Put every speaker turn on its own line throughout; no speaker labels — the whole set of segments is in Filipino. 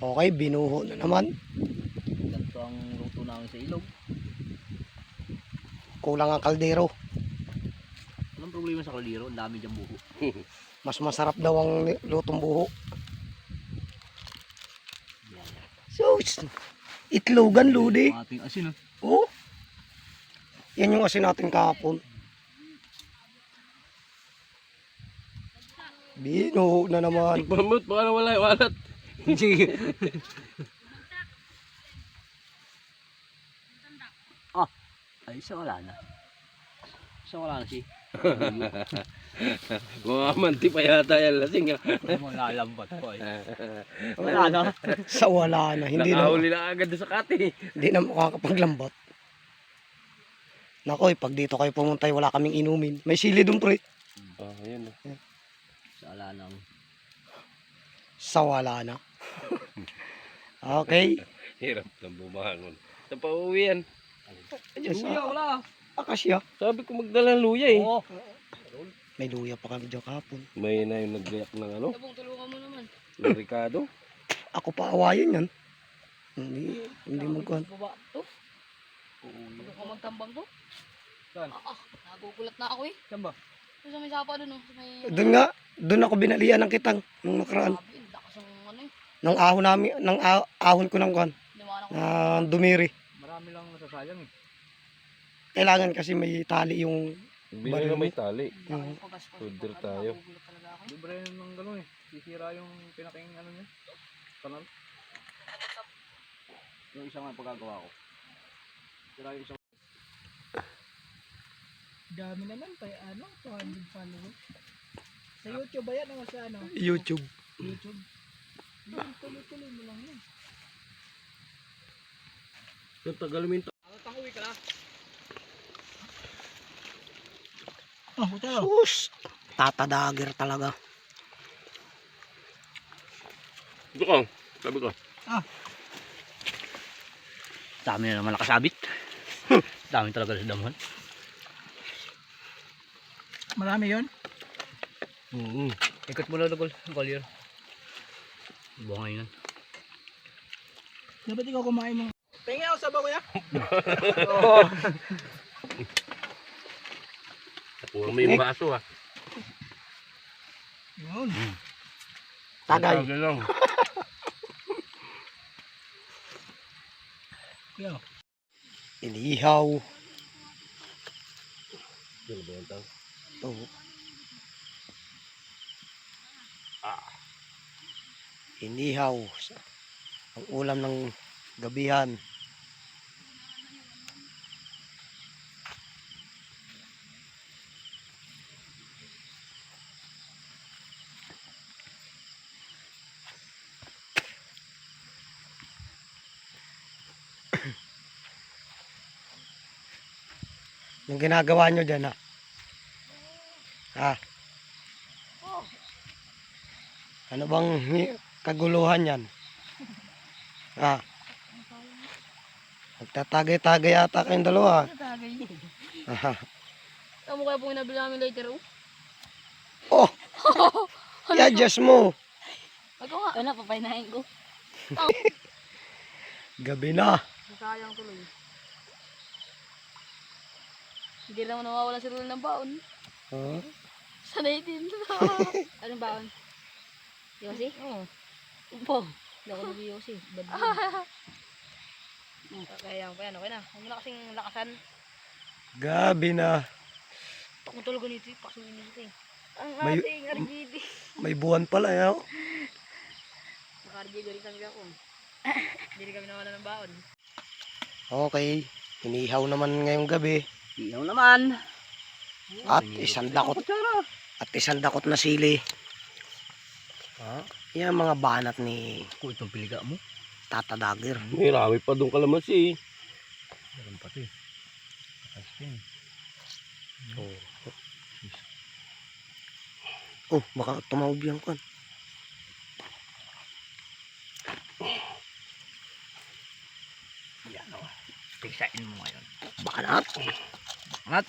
Okay, binuho na naman.
Ganito ang luto namin sa ilog.
Kulang ang kaldero.
Walang problema sa kaldero, ang dami dyan buho.
Mas masarap daw ang lutong buho. So, itlogan, Ludi.
Ang ating asin,
Oh. Yan yung asin natin kahapon. Binuho na naman.
Pamut, baka nawala yung walat.
Sige. Ah, ay isa wala na. Isa wala na si.
Mga manti pa yata yan lasing.
Malalambat ko eh. Wala na.
Sa wala na. Hindi na,
Nakahuli na agad sa kati.
hindi na makakapaglambat. Nakoy, pag dito kayo pumunta, wala kaming inumin. May sili dun, pre.
Oh, ayun.
Isa wala na.
Sa wala na. Okay.
Hirap ng bumangon. Sa pauwi yan.
Yes,
Luya, wala.
akasya.
Sabi ko magdala ng luya eh.
Oo.
May luya pa kami dyan kahapon.
May na yung naggayak ng ano?
Tabong tulungan mo naman.
Ng Ricardo.
Ako pa awayan yan. Hindi magkuhan.
Baba to. Ano ka magtambang to? Saan? Nagugulat na ako eh. Saan ba? Sa may sapa doon, sa may...
Doon ako binalian ng kitang nung nakaraan.
Sabi, lakas ng ano eh.
Nang ahon namin, nang ahon ko ng kuhan.
Liwanag ko.
Na dumiri.
Marami lang nasasayang eh.
Kailangan kasi may tali yung
Bili na may tali.
yung
Order tayo.
Nagugulat talaga ako.
Libre ng gano'n eh. Sisira yung pinaking ano niya. Kanal.
Yung isang nga pagkagawa ko. Sira yung isang...
Dami naman pa ano, 200 followers. Sa YouTube ba yan o sa ano?
YouTube.
YouTube. Yun, tuloy-tuloy mo lang yun.
Yung tagalamin
Tanguwi ka na.
Oh, hotel.
Sus! Tatadager talaga.
Ito ka. Sabi ko.
Dami na naman nakasabit. Dami talaga sa damuhan.
Marami yun.
Ikot mo na lagol. Collier. Buha ngayon.
Dapat ikaw kumain mo. Pengen ako sabaw kuya.
Puro may baso ha.
Yun.
Tagay.
Tagay lang.
Yo.
Inihaw.
Yan ba yung tang?
Oh. Inihaw. Ang ulam ng gabihan. Yung ginagawa nyo dyan, ha? Ha? Ano bang kaguluhan yan? Ha? Magtatagay-tagay yata kayong dalawa. Ha?
Tama kaya pong inabili namin later, oh.
Oh! I-adjust mo.
Ako nga. Ano, papaynahin ko.
Gabi na.
Sayang tuloy. Hindi naman nawawala si Rul ng baon.
Huh?
Sanay din. Anong baon? Yosi? Oo. Upo. Hindi ako nag-yosi. Bad din. Kaya pa yan, okay na. Huwag mo na kasing lakasan.
Gabi na.
Ako talaga nito, pasunin nito eh. Ang
May-
ating RGD.
May buwan pala, eh, oh.
Naka-RGD rin kami ako. Hindi rin kami nawala ng baon.
Okay. Inihaw naman ngayong gabi.
Iyaw naman.
At isang dakot na sili. Yan ang mga banat ni
Kung itong piliga mo.
Tatadager.
May rami pa doon kalamansi.
Meron pa ito eh.
Oh, baka tumawag yan kan.
Yan o. Pigsain mo ngayon.
Baka na.
At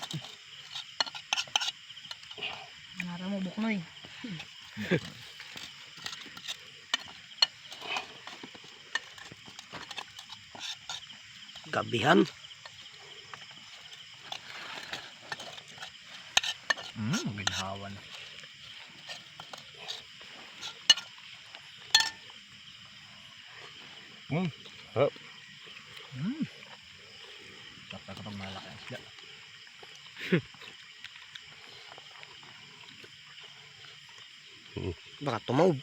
Nara mo buknoy.
Kabihan.
Ginhawan.
Harap.
Tapos ako itong malaki ang isda.
Baka tumawag.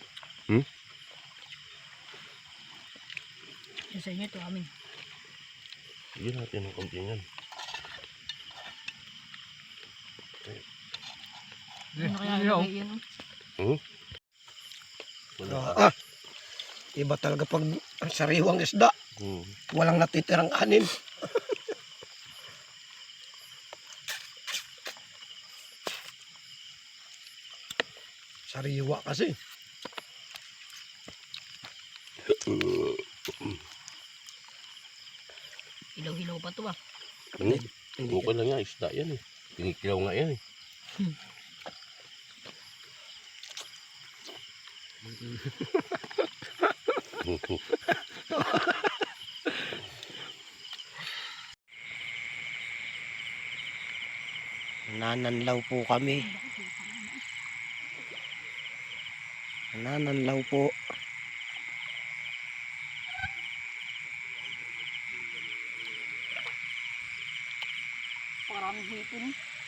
Yung sa inyo, ito amin.
Sige natin ang konti yan.
Ano kaya ilagay yun?
Wala.
Iba talaga pag sariwang isda. Walang natitirang kanin. Sariwa kasi.
Hilaw-hilaw pa to ah.
Hindi.
Hindi.
Okay lang yan, isda yan eh. Kinikilaw nga yan eh.
Nananlaw po kami. Nananlaw po.
Maraming hipon.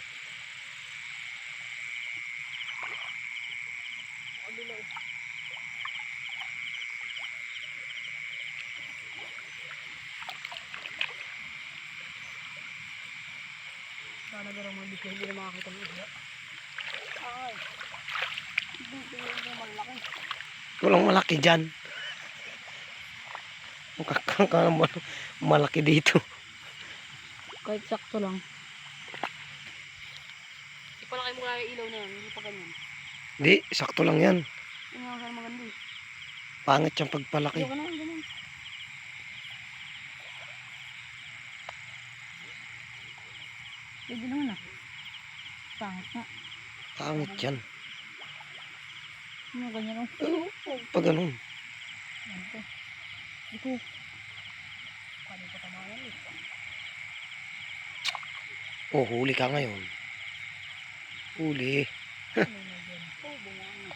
Sana garang mabisya, hindi na makakita ng isda. Ay. Hindi na malaki.
Walang malaki dyan. Mukhang malaki dito.
Kahit sakto lang. Ipalaki mo kaya yung ilaw na yan, hindi pa ganyan.
Hindi, sakto lang yan.
Yung nga sana maganda eh.
Pangit yung pagpalaki.
Ayaw ka na, ganyan. Pwede naman ah. Pangit nga.
Pangit yan.
Yung ganyan oh.
Pag ganun.
Ito. Ito. Paano pa tamayan eh.
Oh, huli ka ngayon. Huli.
Oh, bumanga.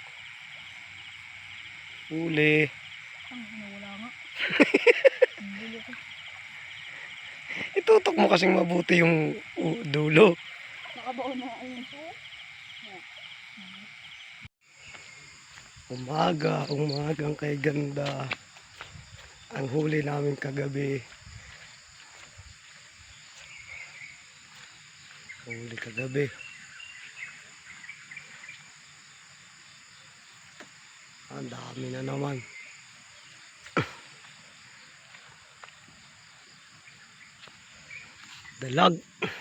Huli.
Ang nawala nga. Ang dulo ko.
Itutok mo kasing mabuti yung dulo.
Nakabaon na ayun po.
Umagang kay ganda. Ang huli namin kagabi. Huli kagabi. Ang dami na naman. Dalag.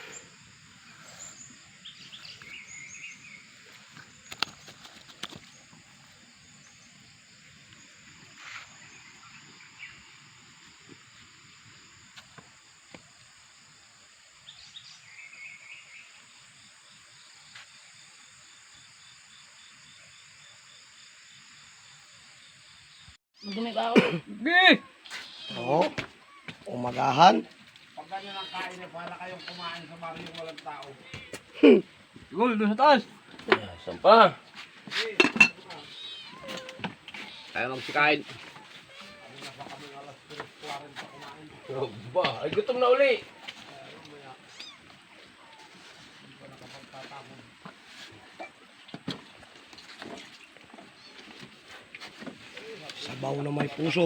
Magdumi pa ako.
Oo. Umagahan.
Sigol, doon sa taas.
Saan pa? Tayo magsikain. Ba, ay gutom na uli.
Sabaw na may puso.